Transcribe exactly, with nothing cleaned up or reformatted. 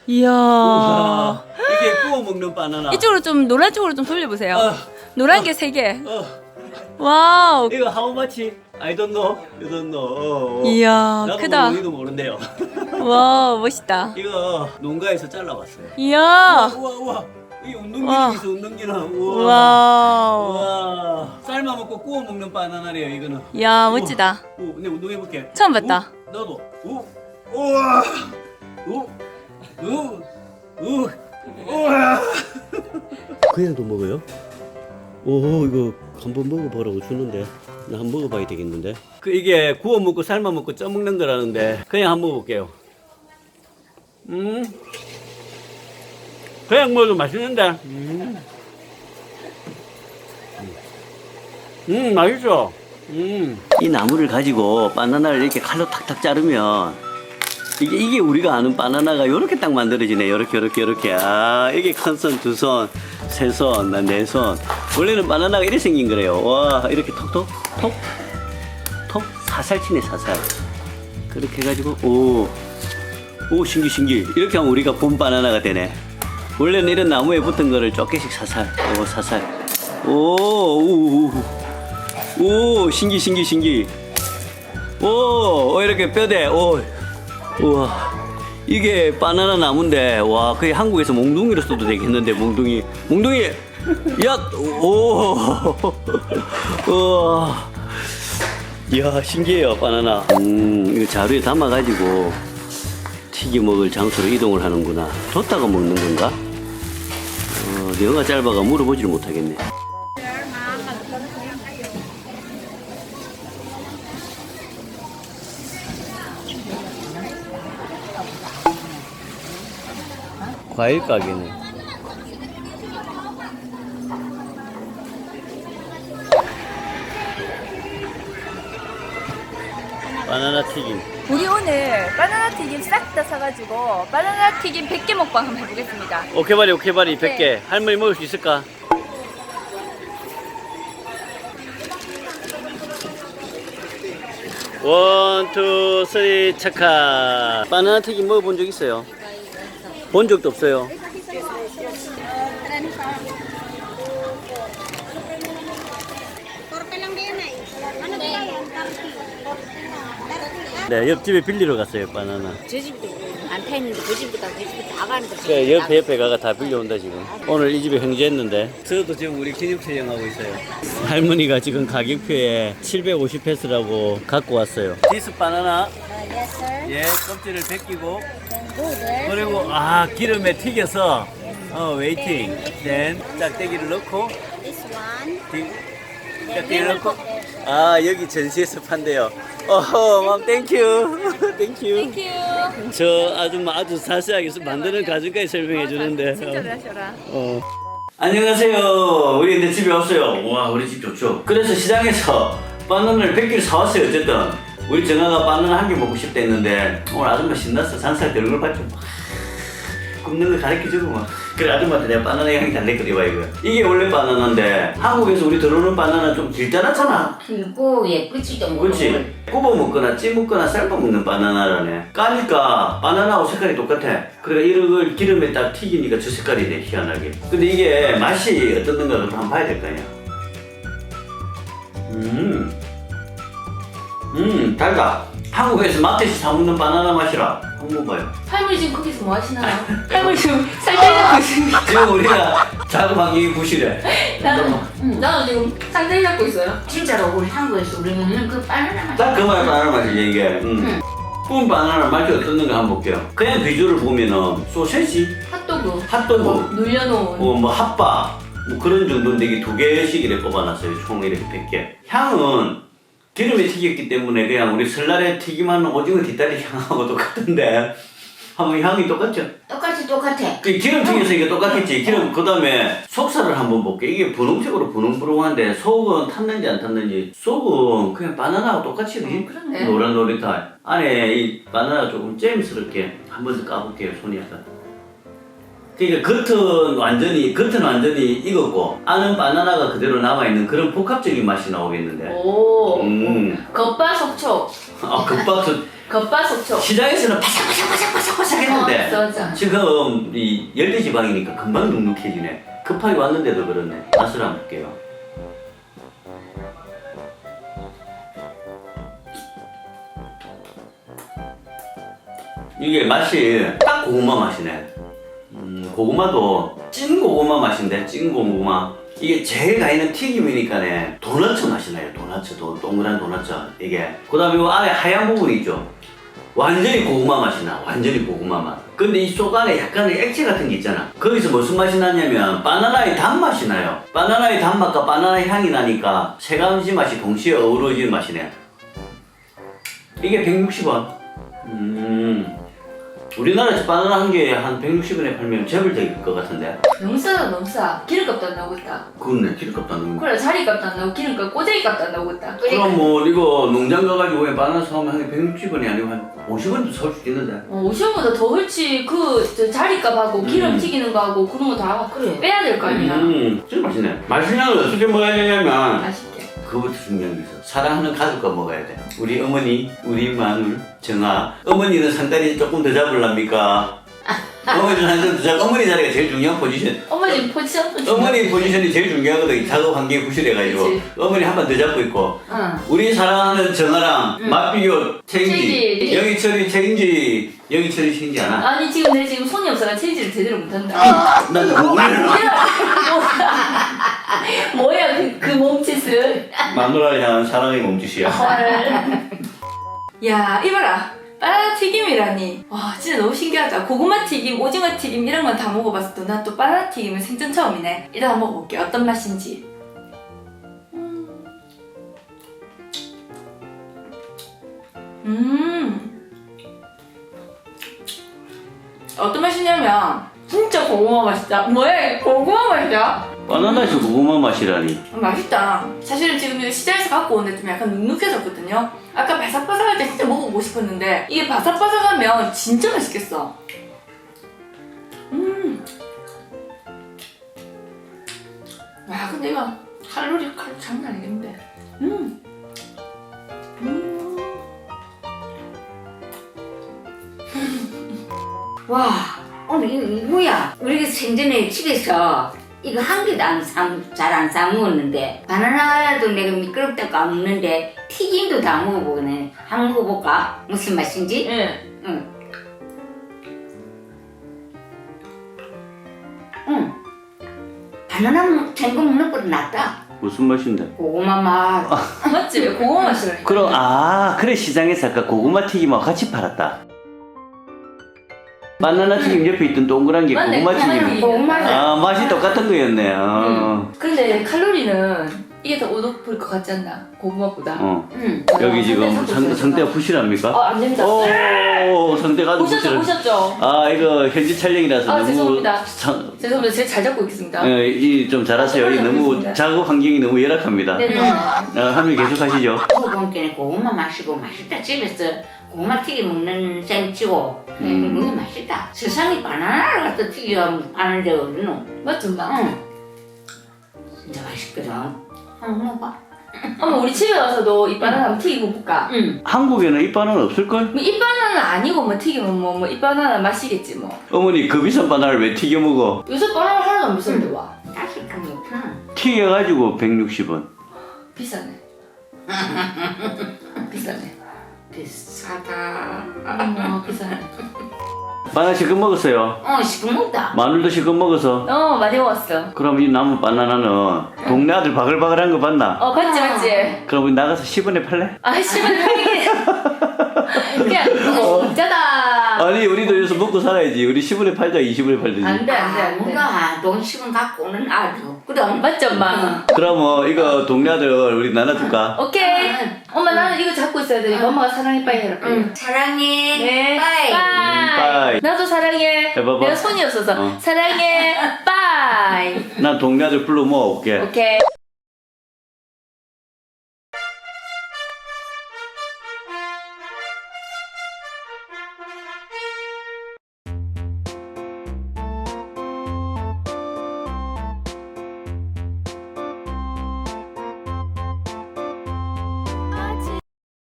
이야. 우와, 이게 구워 먹는 바나나. 이쪽으로 좀 노란 쪽으로 좀 돌려보세요. 어, 노란 게 세 개. 어. 와우. 이거 how much? I don't know. You don't know. 어, 어. 이야, 나도 크다. 모르기도 모른대요. 와, 멋있다. 이거 농가에서 잘라봤어요. 이야. 우와 우와. 이 와. 운동기능 있어 운동기능. 우와. 와우. 우와. 삶아 먹고 구워 먹는 바나나래요 이거는. 이야, 멋지다. 오, 근데 운동해 볼게. 처음 봤다. 나도. 오. 우와. 오. 오. 오. 우와. 그냥도 먹어요? 오, 이거 한번 먹어보라고 주는데 나 한번 먹어봐야 되겠는데. 그 이게 구워 먹고 삶아 먹고 쪄 먹는 거라는데 그냥 한번 먹어볼게요. 음. 그냥 먹어도 맛있는데. 음. 음, 맛있어. 음. 이 나무를 가지고 바나나를 이렇게 칼로 탁탁 자르면 이게, 이게 우리가 아는 바나나가 요렇게 딱 만들어지네. 요렇게, 요렇게, 요렇게. 아, 이게 큰 손, 두 손, 세 손, 난 네 손. 원래는 바나나가 이렇게 생긴 거래요. 와, 이렇게 톡톡, 톡, 톡, 사살 치네, 사살. 그렇게 해가지고, 오, 오, 신기, 신기. 이렇게 하면 우리가 본 바나나가 되네. 원래는 이런 나무에 붙은 거를 몇 개씩 사살, 오, 사살. 오, 오, 오, 오, 신기, 신기, 신기. 오, 오 이렇게 뼈대, 오. 우와, 이게 바나나 나무인데, 와, 거의 한국에서 몽둥이로 써도 되겠는데, 몽둥이. 몽둥이! 야! 오! 우와. 이야, 신기해요, 바나나. 음, 이거 자루에 담아가지고 튀겨 먹을 장소로 이동을 하는구나. 뒀다가 먹는 건가? 어, 내가 짧아가 물어보지를 못하겠네. 과일 가게네. 바나나 튀김. 우리 오늘 바나나 튀김 싹 다 사가지고 바나나 튀김 백 개 먹방 한번 해보겠습니다. 오케바리 오케바리 백 개. 네. 할머니 먹을 수 있을까? 원, 투, 쓰리, 착하. 바나나 튀김 먹어본 적 있어요? 본 적도 없어요. 네, 옆집에 빌리러 갔어요, 바나나. 저 집도 안 타있는데 그 집도 가고 그 집도 다 가는데 그 옆에 옆에 가가 다 빌려온다 지금. 오늘 이 집에 형제했는데 저도 지금 우리 기념 촬영하고 있어요. 할머니가 지금 가격표에 칠백오십 페소라고 갖고 왔어요. 디스 바나나. Yes sir. 예, 껍질을 벗기고 Go there. 그리고 아 기름에 튀겨서 어 웨이팅. then 짝대기를 넣고 This one. 디- 짝대기를 넣고 아 여기 전시에서 판대요. 어허, 맘 땡큐. 땡큐. 땡큐. 저 아줌마 아주 자세하게 만드는 과정까지 설명해 주는데. 진짜 잘하셔라. 어. 안녕하세요. 우리 근데 집에 왔어요. 와, 우리 집 좋죠. 그래서 시장에서 바나나를 백 개를 사왔어요. 어쨌든 우리 정아가 바나나 한 개 먹고 싶다 했는데 오늘 아줌마 신났어. 잔살 때 얼굴 봤죠. 굽는 거 가르쳐주고 막. 그래, 아줌마한테 내가 바나나 향이 달랬거든. 이거 이게 원래 바나나인데 한국에서 우리 들어오는 바나나 좀 길잖았잖아. 길고 예쁘지도 뭐. 그렇지. 굽어 먹거나 찌 먹거나 삶아 먹는 바나나라네. 까니까 바나나하고 색깔이 똑같아. 그래 이걸 기름에 딱 튀기니까 저 색깔이 돼, 희한하게. 근데 이게 맛이 어떻는가 한번 봐야 될 거 아니야. 음, 음 달다. 한국에서 마트에서 사 먹는 바나나 맛이라. 한번 봐요. 할머니 지금 거기서 뭐 하시나요? 할머니 지금 상태 잡고 있습니다. 지금 우리가 자그마한 이 부실해. 나는, 응, 나는 지금 상태 잡고 있어요. 진짜로 우리 한국에서 우리 먹는 그 바나나 맛. 딱 그 말 바나나 맛이지 이게. 음. 구운 바나나 맛이 어떻는가 한번 볼게요. 그냥 비주얼을 보면은 소세지, 핫도그. 핫도그, 뭐, 눌려놓은. 어, 뭐 핫바 뭐 그런 정도인데 이게 두 개씩 이렇게 뽑아놨어요. 총 이렇게 백 개. 향은 기름에 튀겼기 때문에 그냥 우리 설날에 튀김하는 오징어 뒷다리 향하고 똑같은데 한번 향이 똑같죠? 똑같이 똑같아. 그 기름 튀겨서 이게 똑같겠지. 기름 그 다음에 속살을 한번 볼게. 이게 분홍색으로 분홍분홍한데 속은 탔는지 안 탔는지. 속은 그냥 바나나하고 똑같이 그지? 그러네. 노란노릇한 안에 이 바나나 조금 잼스럽게 한번 더 까볼게요. 손이 약간. 그러니까 겉은 완전히 겉은 완전히 익었고 안은 바나나가 그대로 남아있는 그런 복합적인 맛이 나오겠는데. 오. 음. 겉바속촉. 아, 급박수. 겉바속촉. 시장에서는 바삭바삭바삭바삭 바삭바삭했는데 어, 맞아. 지금 이 열대지방이니까 금방 눅눅해지네. 급하게 왔는데도 그렇네. 맛을 한번 볼게요. 이게 맛이 딱 고구마 맛이네. 음, 고구마도 찐 고구마 맛인데, 찐 고구마. 이게 제일 가있는 튀김이니까네 도너츠 맛이 나요. 도너츠, 도, 동그란 도너츠. 이게 그 다음에 이 안에 하얀 부분이 있죠. 완전히 고구마 맛이 나. 완전히 고구마 맛. 근데 이 속 안에 약간의 액체 같은 게 있잖아. 거기서 무슨 맛이 나냐면 바나나의 단맛이 나요. 바나나의 단맛과 바나나 향이 나니까 세 가지 맛이 동시에 어우러지는 맛이네. 이게 백육십 원. 음. 우리나라에서 바나나 한 개에 한 백육십 원에 팔면 재벌 될 것 같은데. 너무 싸다 너무 싸. 기름값도 안 나오겠다. 그렇네. 기름값도 안 넣는 거. 그래 자리값도 안 나오고 기름값 꼬재기값도 안 나오겠다. 그럼 뭐 이거 농장 가가지고 왜 바나나 사오면 한 개 백육십 원이 아니고 한 오십 원도 사올 수 있는데. 어, 오십 원보다 더 훨씬 그 저 자리값하고 기름 음. 튀기는 거하고 그런 거 다 그래. 빼야 될 거 아니야. 음, 진짜 맛있네. 맛있는 걸 어떻게 먹어야 되냐면 맛있게. 그것부터 중요한 게 있어. 사랑하는 가족과 먹어야 돼. 우리 어머니, 우리 마누, 정아. 어머니는 상다리 조금 더 잡을랍니까? 어머니는 한점 더 잡. 어머니 자리가 제일 중요한 포지션. 어머니 포지션 어머니 포지션이 제일 중요하거든. 작업 환경이 구실해가지고. 그치. 어머니 한 번 더 잡고 있고. 응. 우리 사랑하는 정아랑 응. 맞비교 책임지. 책임지. 영희철이 책임지. 영희철이 책임지 않아? 아니 지금 내 지금 손이 없어서 체인지를 제대로 못한다. 난 오늘 뭐야 그, 그 몸짓을. 마누라를 향한 사랑의 몸짓이야. 야 이봐라. 바나나 튀김이라니. 와 진짜 너무 신기하다. 고구마 튀김, 오징어 튀김 이런 건 다 먹어봤어도 난 또 바나나 튀김은 생전 처음이네. 일단 한번 먹어볼게. 어떤 맛인지. 음. 어떤 맛이냐면 진짜 고구마 맛이다. 뭐야 이게 고구마 맛이야? 바나나에서 고구마 맛이라니. 음, 맛있다. 사실은 지금 이거 시장에서 갖고 오는데 좀 약간 눅눅해졌거든요. 아까 바삭바삭할 때 진짜 먹어보고 싶었는데 이게 바삭바삭하면 진짜 맛있겠어. 음. 와 근데 이거 칼로리 칼로리 장난 아니겠는데. 음. 음. 와, 오늘 이거, 이거 뭐야? 우리가 생전에 집에서 이거 한 개도 잘 안 사 먹었는데 바나나도 내가 미끄럽다고 안 먹는데 튀김도 다 먹어보네. 한번 먹어볼까? 무슨 맛인지? 예. 응. 응. 바나나 생거 먹는 것보다 낫다. 무슨 맛인데? 고구마 맛. 맞지? 고구마 맛이라니까. 그럼 아 그래 시장에서 아까 고구마 튀김하고 같이 팔았다. 바나나 튀김 옆에 있던 동그란 게 맞네, 고구마 고구마 튀김. 고구마 맛. 아 맛이 똑같은 거였네. 어. 근데 칼로리는 이게 더 오독할 것 같지 않나? 고구마보다. 어. 응. 여기 지금 상대 상, 상대 상대가 부실합니까? 어, 안 됩니다. 오 상대가 아주 보셨죠? 부실한. 보셨죠? 아 이거 현지 촬영이라서 아, 너무 죄송합니다. 상- 죄송합니다. 제가 잘 잡고 있겠습니다. 예, 이좀 잘하세요. 이 너무 알겠습니다. 작업 환경이 너무 열악합니다. 네네. 어, 한명 계속 하시죠. 먹어보니까 고구마 맛이고 맛있다. 집에서 고구마 튀김 먹는 셈 치고 음. 너무 맛있다. 세상에 바나나를 갖다 튀겨 파는 데가 어디노? 맞죠, 엄마? 응. 진짜 맛있거든. 한번 먹어봐. 엄마, 우리 집에 와서도 이 바나나 한번 튀기고 볼까? 응. 한국에는 이 바나나 없을걸? 뭐, 이 바나나는 아니고, 뭐, 튀기면 뭐, 뭐, 이 바나나 맛이겠지, 뭐. 어머니 그 비싼 바나나를 왜 튀겨 먹어? 요새 바나나 하나도 안 비싼데, 와. 다시 좀 먹잖아. 튀겨가지고 백육십 원. 비싸네. 비싸네. 비싸다. 어머, 비싸네. 바나나 실컷 먹었어요. 어, 시끄럽다. 마늘도 실컷 먹어서. 어, 많이 먹었어. 그럼 이 남은 바나나는 동네 아들 바글바글한 거 봤나? 어, 맞지, 맞지? 그럼 우리 나가서 십 원에 팔래? 아, 씨발, 팔기. 그냥, 그거 진짜다. 아니 우리도 여기서 먹고 살아야지. 우리 십 원에 팔자 이십 원에 팔든지. 안 돼, 안 돼, 아, 안 돼. 뭔가 돈 십 원 갖고 오는 아주. 그럼. 맞지, 엄마? 그럼 뭐 이거 동네 아들 우리 나눠줄까? 오케이. 응. 엄마, 나는 이거 잡고 있어야 되니까 엄마가 사랑해, 빠이 해라, 빨리. 응. 사랑해. 네. 빠이. 빠이. 빠이. 나도 사랑해. 해봐봐. 내가 손이 없어서 어. 사랑해. 빠이. 난 동네 아들 불러 모아올게. 오케이.